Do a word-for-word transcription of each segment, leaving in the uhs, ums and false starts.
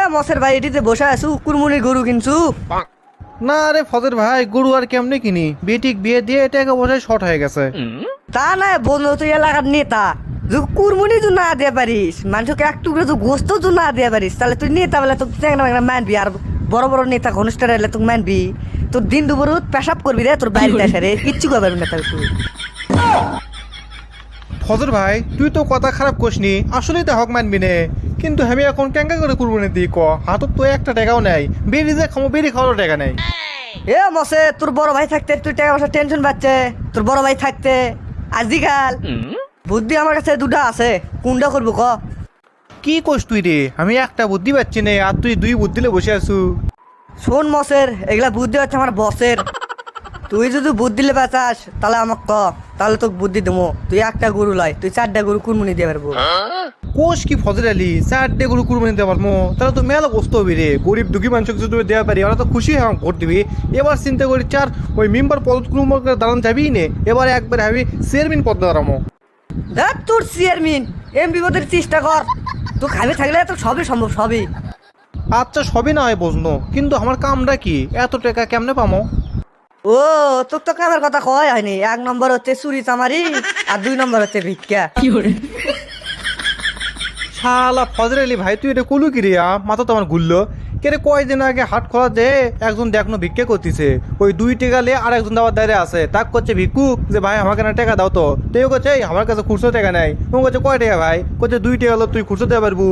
মশের ভাই এটিতে বসে আছু কুরমুনি গরু কিনছু? না রে ফজর ভাই, গরু আর কেমনে কিনি, বেটিক বিয়ে দিয়ে এটাকে বসায় শর্ট হয়ে গেছে। তা না বন্ধু, তুই এলাকার নেতা, যদি কুরমুনি তুই না দিয়ে পারিস, মানুষকে এক টুকরো তুই গোস্ত তুই না দিয়ে পারিস, তাহলে তুই নেতা বলে তোকে চ্যাংরা ম্যাংরা মানবি, আর বড় বড় নেতা ঘনিষ্ঠ এলে তোকে মানবি, তোর দিন দুপুর পেশাব করবি রে তোর বাড়িতে আসে রে, কিচ্ছু করবি না তাহলে তুই। ফজর ভাই তুই তো কথা খারাপ করিসনি, আসলেই তো হক মানবি নে, কিন্তু আমি এখন কেঙ্কা করে কুরবানি দিই ক, হাতত তো একটা টাকাও নাই, বেরি যে খামো বেরি খাওয়ারও টাকা নাই। এ মশে, তোর বড় ভাই থাকতে তুই টাকা পয়সা টেনশন পাচ্ছে, তোর বড় ভাই থাকতে আজিকাল বুদ্ধি আমার কাছে দুটা আছে, কোনটা করবো ক? কি কোস তুই রে, আমি একটা বুদ্ধি পাচ্ছি নে, আর তুই দুই বুদ্ধিলে বসে আছু। শোন মশের, এগুলা বুদ্ধি হচ্ছে আমার বসের, তুই যদি বুদ্ধি লে বাঁচাস তাহলে আমাকে ক, তাহলে তোকে বুদ্ধি দেবো। তুই একটা গরু লয়, তুই চারটা গরু কুরমুনি দিয়ে পারবো। কোষ কি ফজর আলী, চারটে গরু কুরবানি দিতে পারবো, তাহলে তো মেলা কষ্ট হবি রে, গরিব দুঃখী মানুষকে যদি দেওয়া পারি ওরা তো খুশি হয়ে ভোট দিবি। এবার চিন্তা করি চার ওই মেম্বার পদ কুরুমার দাঁড়ান যাবি নে, এবার একবার আমি চেয়ারম্যান পদ দাঁড়ামো। দেখ তোর চেয়ারম্যান এম বিপদের চেষ্টা কর, তুই খাবি থাকলে তো সবই সম্ভব, সবই। আচ্ছা সবই না হয় বুঝলো, কিন্তু আমার কামটা কি, এত টাকা কেমনে পামো? ও তোর তো কামের কথা কয় হয়নি, এক নম্বর হচ্ছে চুরি চামারি, আর দুই নম্বর হচ্ছে ভিক্ষা। শালা ফজর আলী ভাই, তুই এটা কলু কি রে, মাথা তো আমার ঘুরলো। কে রে, কয়দিন আগে হাট খোলা যে একজন দেখনো ভিক্ষা করতেছে, ওই দুই টাকা লে আর একজন দাবার দাঁড়িয়ে আছে, তাক করছে ভিক্ষুক যে ভাই আমাকে না টাকা দাও তো, তুই করছে এই আমার কাছে খুচরো টাকা নাই, ও করছে কয় টাকা ভাই, করছে দুই টাকা হলো তুই খুচরো দিতে পারবো।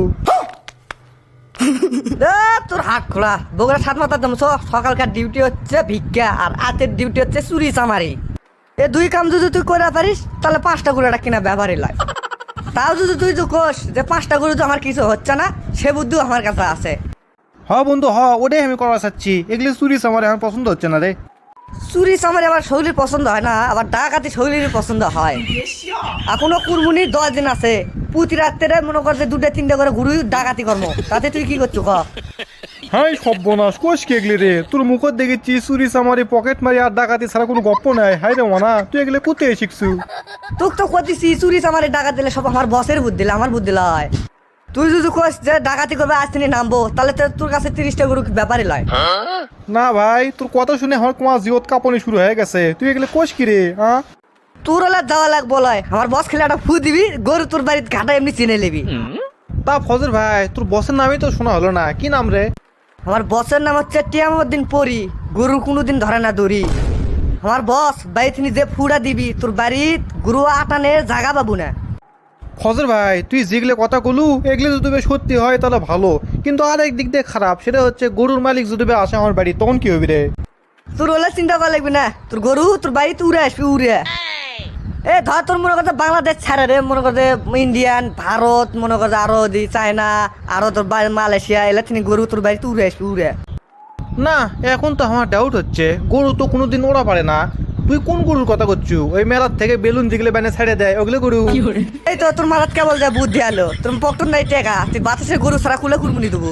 তোর হাত খোলা বগুড়া সাত মাথার দাম, সকালকার ডিউটি হচ্ছে ভিক্ষা আর রাতের ডিউটি হচ্ছে চুরি চামারি। এ দুই কাম যদি তুই করে পারিস তাহলে পাঁচটা গরুটা কিনা ব্যবহারে লয়। তাও যদি তুই তো কোস যে পাঁচটা গরু তো আমার কিছু হচ্ছে না, সে বুদ্ধিও আমার কাছে আছে। হ বন্ধু হ, ওটাই আমি করা চাচ্ছি, এগুলি চুরি আমার আমার পছন্দ হচ্ছে না রে। চুরি চামারি আমার শৈলীর পছন্দ হয় না, আবার ডাকাতি শৈলীর পছন্দ হয়। এখনো কুরমুনির দশ দিন আছে, প্রতি রাত্রে মনে কর যে দুটা তিনটা করে গরু ডাকাতি কর্ম, তাতে তুই কি করছো ক? হাই সর্বনাশ, কোষ কি এগুলি রে, তোর মুখত দেখেছি চুরি চামারি পকেট মারি আর ডাকাতি ছাড়া কোনো গপ্প নাই, হাই রে মানা তুই এগুলো কোথায় শিখছু? তোকে তো কতিছি চুরি চামারি ডাকাত দিলে সব আমার বসের বুদ্ধি, আমার বুদ্ধি লয়। তুই যদি কোস যে ডাকাতি করবে আজ তিনি নামবো, তাহলে তো তোর কাছে তিরিশটা গরু ব্যাপারে লয়। না ভাই, তোর কথা শুনে আমার তোমার জিওত কাঁপনি শুরু হয়ে গেছে, তুই এগুলো কোষ কি রে? হ্যাঁ তোর হলে যাওয়া লাগবো লয়, আমার বস খেলে একটা ফু দিবি, গরু তোর বাড়িতে ঘাটা এমনি চিনে নিবি। তা ফজর ভাই, তোর বসের নামই তো শোনা হলো না, কি নাম রে? আমার বসের নাম হচ্ছে টিয়ামুদ্দিন পরি, গরু কোনোদিন ধরে না দড়ি। আমার বস বাড়ি তিনি যে ফুড়া দিবি তোর বাড়িত গরু আটানে জাগা পাবো না। ফজর ভাই তুই যেগুলো কথা কলু এগুলো যদি সত্যি হয় তাহলে ভালো, কিন্তু আর এক দিক দিয়ে খারাপ, সেটা হচ্ছে গরুর মালিক যদি আসে আমার বাড়ি তখন কি হবি রে? তোর ওলা চিন্তা করা লাগবে না, তোর গরু তোর বাড়িতে উড়ে আসবি উড়ে। এ ধর তোর মনে করতে বাংলাদেশ ছাড়া রে, মনে করতে ইন্ডিয়ান ভারত, মনে করতে আরো দি চায়না, আরো তোর বাড়ি মালয়েশিয়া, এলা তিনি গরু তোর বাড়িতে উড়ে আসবি উড়ে। না এখন তো আমার ডাউট হচ্ছে, গরু তো কোনোদিন ওরা পারে না, তুই কোন গরুর কথা করছু? ওই মেলার থেকে বেলুন যেগুলো ব্যানে ছেড়ে দেয় ওগুলো গরু? এই তো তোর মাথাত কেবল যা বুদ্ধি আলো, তোর পকটন নাই টেকা, তুই বাতাসে গরু ছাড়া খুলে কুরমুনি দেবো।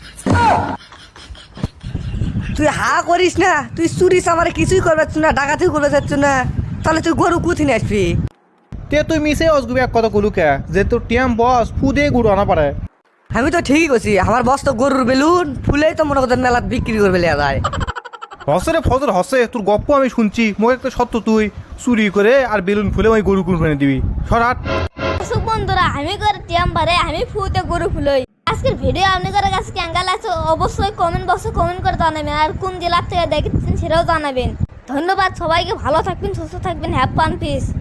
তুই হা করিস না, তুই চুরি চামারে কিছুই করবে না, ডাকাতি করবে যাচ্ছ না, তাহলে তুই গরু কুথিনে আসবি? তে তুই মিশে অসগুবি এক কথা কলু কে, যে তোর টিয়াম বস ফু দিয়ে গরু আনা পারে? আমি তো ঠিকই করছি, আমার বস তো গরুর বেলুন ফুলেই তো মনে করতে মেলাত বিক্রি করবে লিয়া যায়। হসে রে ফজর হসে, তোর গপ্প আমি শুনছি, মোকে একটা সত্য তুই চুরি করে আর বেলুন ফুলে ওই গরু কুরবানি দিবি, সরাট। দর্শক বন্ধুরা, আমি করে টিয়াম বারে আমি ফুতে গরু ফুলই। আজকের ভিডিও আপনাদের কাছে কেঙ্গা লাগছে অবশ্যই কমেন্ট বক্সে কমেন্ট করে জানাবেন, আর কোন জেলা থেকে দেখেছেন সেটাও জানাবেন। ধন্যবাদ সবাইকে, ভালো থাকবেন, সুস্থ থাকবেন, হ্যাভ ফান, পিস।